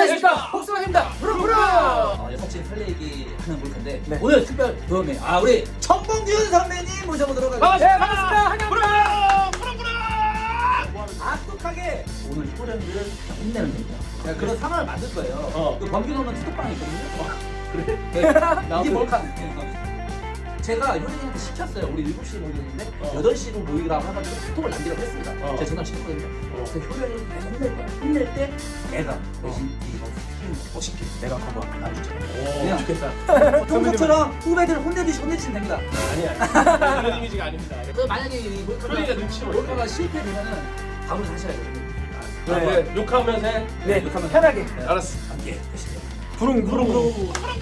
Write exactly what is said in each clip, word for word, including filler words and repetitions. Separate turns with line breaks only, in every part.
안녕하십니까, 복숭아입니다. 부릉부릉.
어, 여사친 설레기 하는 몰카인데
네.
오늘 특별 도움에 아 우리 정봉균 선배님 모셔보도록 하겠습니다.
네, 반갑습니다. 환영합니다.
악독하게 오늘 효령들을 혼내는 겁니다. 네, 그런 상황을 만들 거예요.
어.
그 범균 오는 투톡방이 있거든요. 어, 그래? 네. 이게 몰카. 제가 효령이한테 시켰어요. 우리 일곱 시에 모이는데
어.
여덟 시로 모이라고 해가지고 투톡을 남기라고 했습니다.
어.
제가 전화 시켰거든요. 그래서 효령이 계속 혼낼 거야. 혼낼 때 내가 대신 이거 힘 멋있게 내가 커버 나눠주자.
오, 좋겠다.
평소처럼 후배들 혼내듯이 혼내주시면 됩니다.
아니야. 그런 이미지가 아닙니다.
그 만약에 이 몰카가,
효령이가 눈치를 못
몰카가 실패되면은 밥을 사셔야 되거든요.
아, 네. 욕하면서 해.
네, 욕하면
편하게.
네.
알았어.
함께 하시죠.
부릉 부릉 부릉.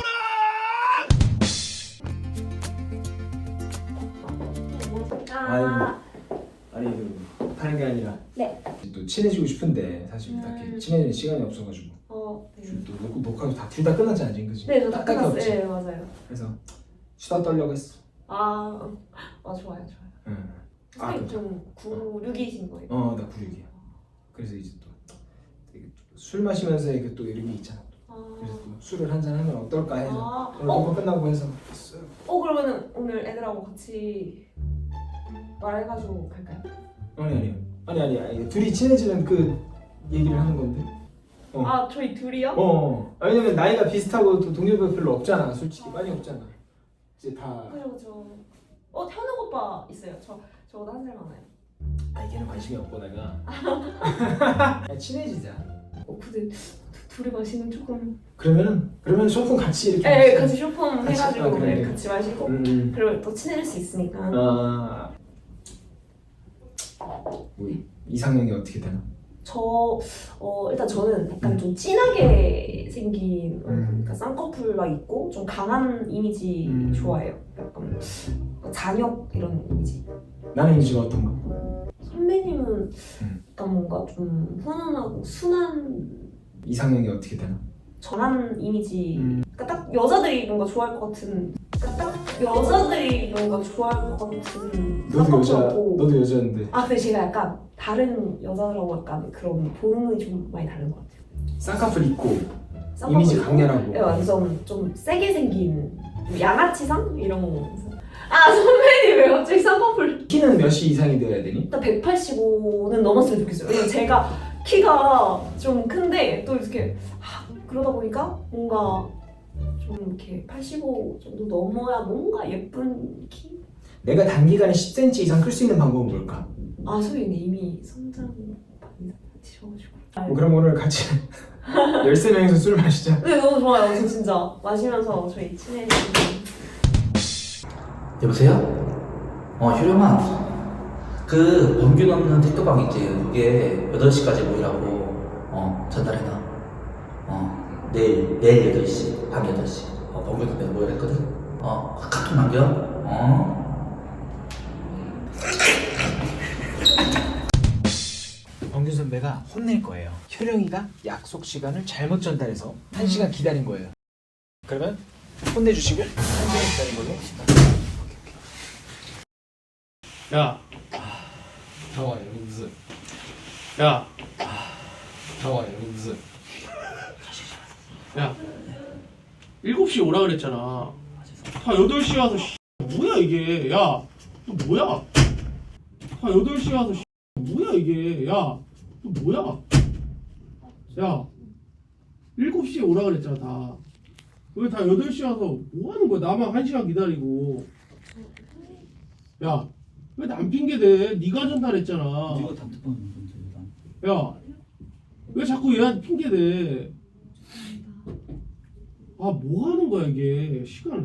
아,
아니 그 하는 게 아니라
네.
또 친해지고 싶은데 사실
음.
딱히 친해지는 시간이 없어가지고
어, 네.
또 녹- 녹화도 다 둘 다 끝났잖아 지금 그지?
네, 저다
딱딱이
끝났어요.
없지?
네, 맞아요.
그래서 수다 떨려고 했어.
아, 아 좋아요, 좋아요.
응. 아,
선생님
그렇죠.
좀 구육이신 거예요?
어나 구육이야. 그래서 이제 또 술 마시면서 이게 또 이런 게 있잖아. 그래서
아,
또 술을 한잔 하면 어떨까 해서
아,
오늘
어,
녹화 끝나고 해서 했어요.
어 그러면은 오늘 애들하고 같이 말해가지고 갈까요?
아니 아니 아니 아니 아니 둘이 친해지는 그 얘기를 하는 건데. 어.
아, 저희 둘이요?
어. 아, 왜냐면 나이가 비슷하고 또 동료가 별로 없잖아. 솔직히 많이 없잖아. 이제 다.
그죠, 그죠. 어, 현욱 오빠 있어요. 저 저보다 한 살 많아요.
아 걔는 관심이 없고 내가. 그냥 친해지자.
어, 근데 두- 둘이 마시면 조금.
그러면은 그러면 소품 같이 이렇게.
네,
마시자.
같이 쇼폼
같이,
해가지고
아, 그래,
네,
그래.
같이 마시고.
음.
그러면 또 친해질 수 있으니까.
아. 뭐 이상형이 어떻게 되나?
저 어, 일단 저는 약간 좀 진하게 생긴 어,
음.
그러니까 쌍꺼풀가 있고 좀 강한 이미지
음.
좋아해요. 약간 잔역 이런 이미지.
나는 이미지가 어떤 거?
선배님은
음.
약간 뭔가 좀 훈훈하고 순한
이상형이 어떻게 되나?
전한 이미지.
음.
그러니까 딱 여자들이 뭔가 좋아할 것 같은. 그러니까 딱 여자들이 뭔가 좋아할 것 같은.
너도 여자.
쌍꺼풀하고.
너도 여자인데.
아 근데 제가 약간 다른 여자들하고 약간 그런 보는 좀 많이 다른 것 같아요.
쌍꺼풀 있고
쌍꺼풀
이미지
있고,
강렬하고.
네, 완전 좀 세게 생긴 양아치상 이런 거. 아 선배님 왜 갑자기 쌍꺼풀?
키는 몇이 이상이 되어야 되니?
일단 백팔십오는 넘었으면 좋겠어요. 왜냐면 제가 키가 좀 큰데 또 이렇게 아, 그러다 보니까 뭔가 좀 이렇게 팔십오 정도 넘어야 뭔가 예쁜 키?
내가 단기간에 십 센티미터 이상 클 수 있는 방법은 뭘까?
아 선배님 이미 성장 많이 하셔가지고.
뭐 그럼 오늘 같이 열세 명이서 술 마시자.
네 너무 좋아요. 저 진짜 마시면서 저희 친해지는.
여보세요? 어 효령아 그 범균 없는 택도방 있지 그게 여덟 시까지 모이라고 어 전달해놔. 어 내일 내일 여덟 시 밤 여덟 시 어, 범균 선배는 모이라 했거든. 어 카톡 남겨. 어
범균 선배가 혼낼 거예요. 효령이가 약속 시간을 잘못 전달해서 한 시간 기다린 거예요. 그러면 혼내주시고 한 시간 기다린 걸로.
야,
잠깐만 여기 무슨?
야,
잠깐만 여기 무슨?
야. 일곱 시 오라 그랬잖아. 다 여덟 시 와서 씨, 뭐야 이게? 야, 너 뭐야? 다 여덟 시 와서 씨, 뭐야 이게? 야, 너 뭐야? 야, 일곱 시에 오라 그랬잖아 다. 왜 다 여덟 시 와서 뭐 하는 거야? 나만 한 시간 기다리고. 야, 왜 남 핑계대? 네가 전달했잖아.
이거 단톡방 건데
야, 왜 자꾸 얘한테 핑계대? 아, 뭐 하는 거야 이게? 시간.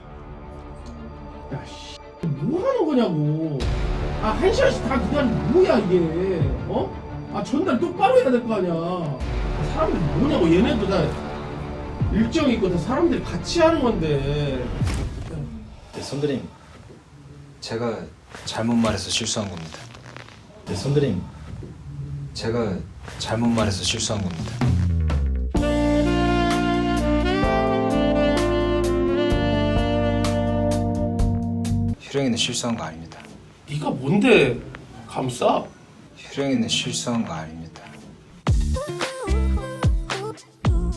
야, 씨, 뭐 하는 거냐고. 아, 한 시간씩 다 기다리는 뭐야 이게? 어? 아, 전달 똑바로 해야 될 거 아니야. 아, 사람들이 뭐냐고. 얘네도 다 일정이 있고 다 사람들이 같이 하는 건데.
네, 선배님, 제가 잘못 말해서 실수한 겁니다. 네, 선배님, 제가 잘못 말해서 실수한 겁니다. 효령이는 실수한 거 아닙니다.
네가 뭔데 감싸?
효령이는 실수한 거 아닙니다.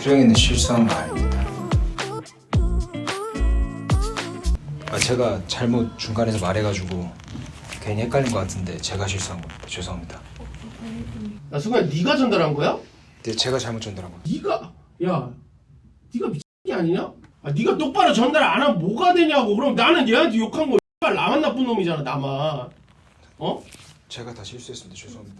수령이는 실수한 거 아닙니다. 아, 제가 잘못 중간에서 말해가지고 괜히 헷갈린 것 같은데 제가 실수한 겁니다. 죄송합니다.
야 승우야 네가 전달한 거야?
네, 제가 잘못 전달한 겁니다.
네가 야 네가 미친 게 아니냐? 아 네가 똑바로 전달 안 하면 뭐가 되냐고. 그럼 나는 얘한테 욕한 거 X발 나만 나쁜 놈이잖아 나만. 어?
제가 다 실수했습니다. 죄송합니다.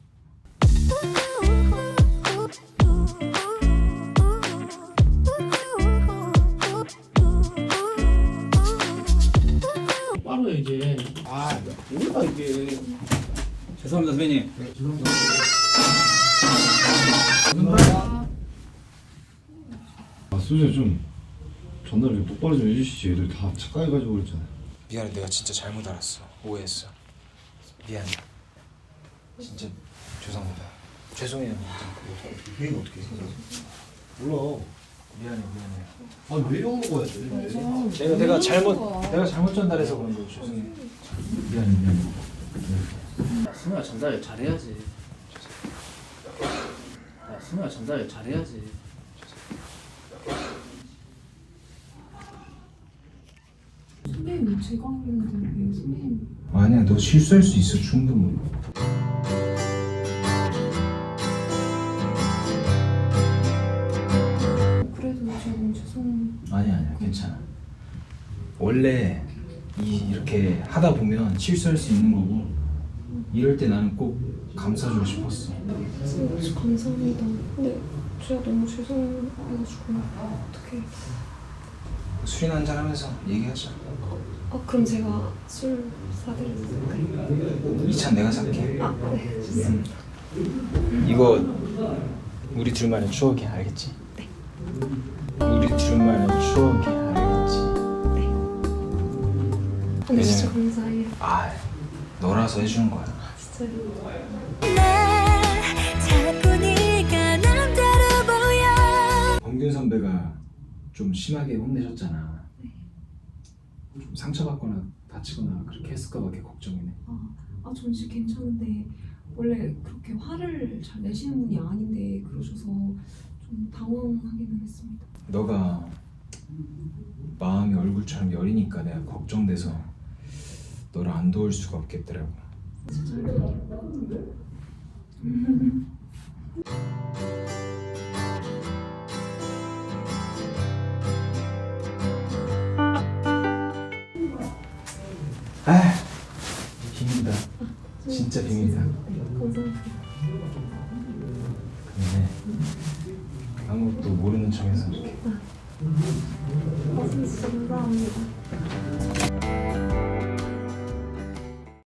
똑바로 해 이제. 아 뭐야 이게.
죄송합니다 선배님.
아 수재 좀 전달 좀 똑바로 좀 해주시지. 애들 다 착각해가지고 그랬잖아.
미안해, 내가 진짜 잘못 알았어. 오해했어. 미안해. 진짜 죄송합니다. 죄송해요.
이게 어떻게 해? 몰라.
미안해, 미안해.
아왜 이런 먹어야 돼?
내가 내가 잘못 내가 잘못 전달해서 그런 거 죄송해. 미안해, 미안해.
야 승우야 전달 잘해야지. 야 승우야 전달 잘해야지.
선배님 제가 했는데 왜 선배님
아니야, 너 실수할 수 있어 충분히.
그래도 제가 너무 죄송
아니야, 아니야, 괜찮아. 원래 이 이렇게 하다 보면 실수할 수 있는 거고 이럴 때 나는 꼭 감싸주고 싶었어.
진짜 감사합니다. 근데 제가 너무 죄송해가지고 어떻게
술이나 한잔 하면서 얘기하자.
아 그럼 제가 술 사드릴까요?
이 찬 내가 살게.
아 네 좋습니다.
이거 우리 둘만의 추억이야, 알겠지?
네.
우리 둘만의 추억이야, 알겠지?
근데 진짜
왜냐면-
감사해요.
아, 너라서 해주는 거야.
진짜요.
자꾸 네가 남자로 보여.
범균 선배가 좀 심하게 혼내셨잖아. 좀 상처받거나 다치거나 그렇게 했을까 봐 걱정이네.
아 전 진짜 괜찮은데 원래 그렇게 화를 잘 내시는 분이 아닌데 그러셔서 좀 당황하기는 했습니다.
너가 마음이 얼굴처럼 여리니까 내가 걱정돼서 너를 안 도울 수가 없겠더라고. 아, 비밀이다. 진짜 비밀이다.
감사합니다.
근데 아무것도 모르는 척해서 이렇게.
아 진짜 감사합니다.